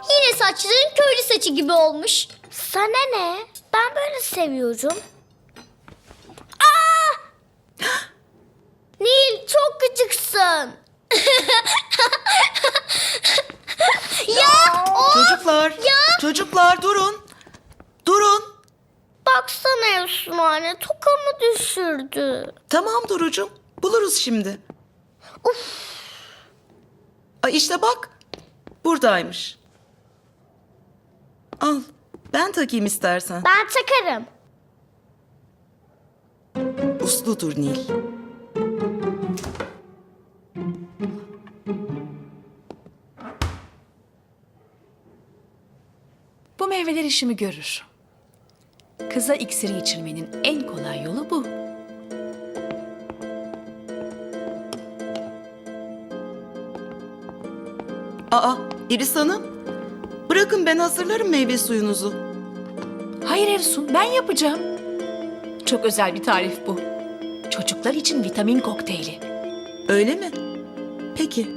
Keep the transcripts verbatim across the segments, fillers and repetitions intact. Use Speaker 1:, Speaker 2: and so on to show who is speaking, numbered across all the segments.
Speaker 1: Yine saçların köylü saçı gibi olmuş.
Speaker 2: Sana ne? Ben böyle seviyorum.
Speaker 1: Aa! Nil çok gıcıksın. Ya o
Speaker 3: Çocuklar,
Speaker 1: Ya!
Speaker 3: çocuklar durun. Durun.
Speaker 2: Baksana Efsun anne, tokamı düşürdü.
Speaker 3: Tamam Duru'cum, buluruz şimdi. Ay işte bak, buradaymış. Al, ben takayım istersen.
Speaker 2: Ben takarım.
Speaker 3: Usludur Nil.
Speaker 4: Bu meyveler işimi görür. Kıza iksiri içirmenin en kolay yolu bu.
Speaker 3: Aa, İris Hanım, bırakın ben hazırlarım meyve suyunuzu.
Speaker 4: Hayır Efsun, ben yapacağım. Çok özel bir tarif bu. Çocuklar için vitamin kokteyli.
Speaker 3: Öyle mi? Peki.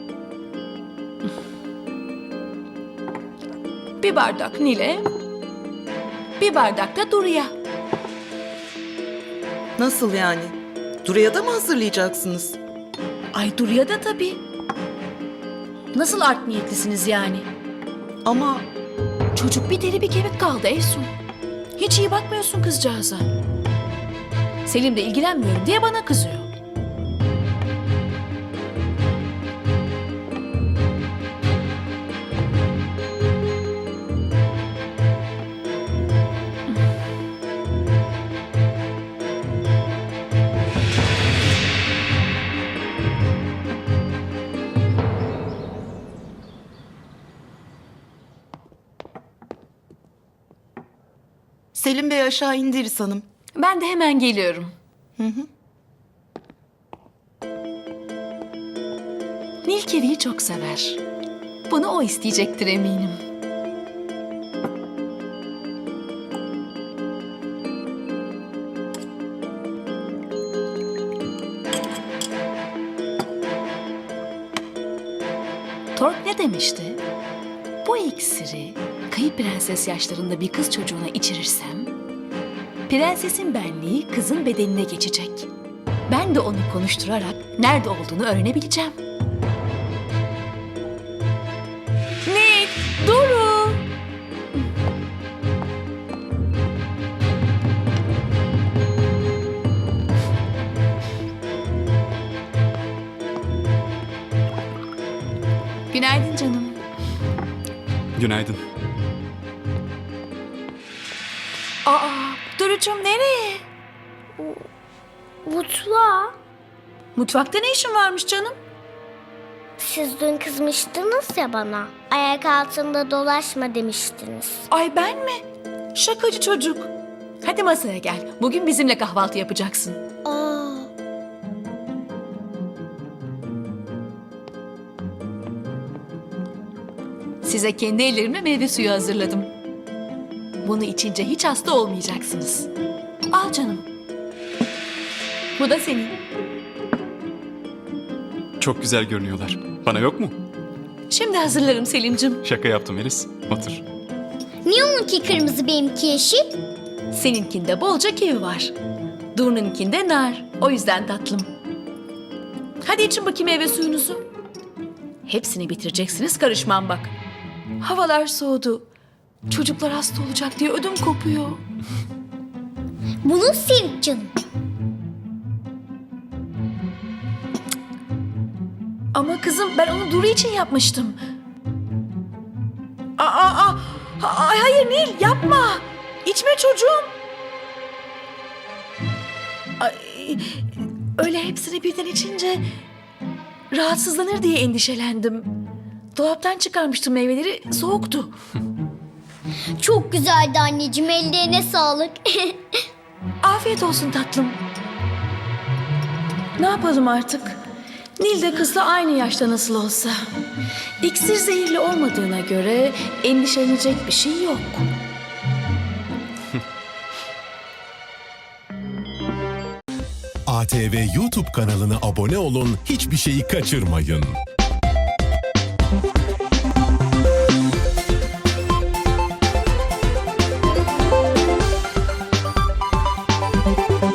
Speaker 4: Bir bardak Nil'e, bir bardak da Duru'ya.
Speaker 3: Nasıl yani? Duru'ya da mı hazırlayacaksınız?
Speaker 4: Ay Duru'ya da tabii. Nasıl art niyetlisiniz yani?
Speaker 3: Ama
Speaker 4: Çocuk bir deri bir kemik kaldı Efsun. Hiç iyi bakmıyorsun kızcağıza. Selim de ilgilenmiyorum diye bana kızıyor.
Speaker 3: Selim Bey aşağı indi İris Hanım.
Speaker 4: Ben de hemen geliyorum. Nil kiviyi çok sever. Bunu o isteyecektir eminim. Tork ne demişti? Bu iksiri kayıp prenses yaşlarında bir kız çocuğuna içirirsem, prensesin benliği kızın bedenine geçecek. Ben de onu konuşturarak nerede olduğunu öğrenebileceğim. Nil, Duru. Günaydın canım.
Speaker 5: Günaydın.
Speaker 4: Aa, Duru'cum nereye?
Speaker 2: Mutfağa.
Speaker 4: Mutfakta ne işin varmış canım?
Speaker 2: Siz dün kızmıştınız ya bana. Ayak altında dolaşma demiştiniz.
Speaker 4: Ay ben mi? Şakacı çocuk. Hadi masaya gel. Bugün bizimle kahvaltı yapacaksın.
Speaker 2: Aa,
Speaker 4: Size kendi ellerimle meyve suyu hazırladım. Bunu içince hiç hasta olmayacaksınız. Al canım. Bu da senin.
Speaker 5: Çok güzel görünüyorlar. Bana yok mu?
Speaker 4: Şimdi hazırlarım Selim'cim.
Speaker 5: Şaka yaptım Elis. Otur.
Speaker 1: Niye onunki kırmızı benimki yeşil?
Speaker 4: Seninkinde bolca kivi var. Duru'nunkinde nar. O yüzden tatlım. Hadi için bakayım meyve suyunuzu. Hepsini bitireceksiniz, karışmam bak. Havalar soğudu. Çocuklar hasta olacak diye ödüm kopuyor.
Speaker 1: Bunu sil canım.
Speaker 4: Ama kızım ben onu Duru için yapmıştım. Aa, aa, aa, ay, hayır Nil yapma. İçme çocuğum. Ay, öyle hepsini birden içince rahatsızlanır diye endişelendim. Dolaptan çıkarmıştım meyveleri, soğuktu.
Speaker 1: Çok güzeldi anneciğim, ellerine sağlık.
Speaker 4: Afiyet olsun tatlım. Ne yapalım artık? Nil de kızla aynı yaşta nasıl olsa. İksir zehirli olmadığına göre endişelenecek bir şey yok.
Speaker 6: A T V YouTube kanalına abone olun, hiçbir şeyi kaçırmayın.
Speaker 1: Anne.